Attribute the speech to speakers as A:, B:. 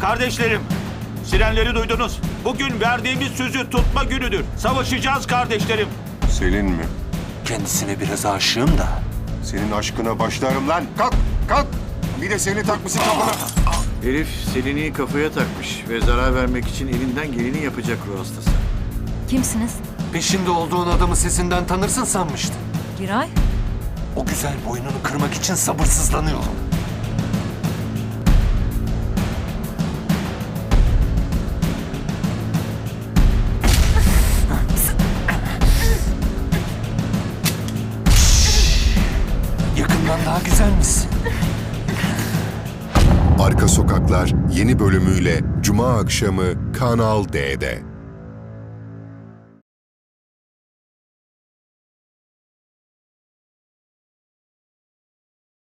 A: Kardeşlerim, sirenleri duydunuz. Bugün verdiğimiz sözü tutma günüdür. Savaşacağız kardeşlerim.
B: Selin mi?
C: Kendisine biraz aşığım da.
B: Senin aşkına başlarım lan. Kalk, kalk. Bir de seni takmışsın kafana.
D: Herif Selin'i kafaya takmış ve zarar vermek için elinden geleni yapacak ruh hastası.
E: Kimsiniz?
C: Peşinde olduğun adamı sesinden tanırsın sanmıştım.
E: Giray?
C: O güzel boynunu kırmak için sabırsızlanıyorum. Yakından daha güzel misin?
F: Arka Sokaklar yeni bölümüyle Cuma akşamı Kanal D'de.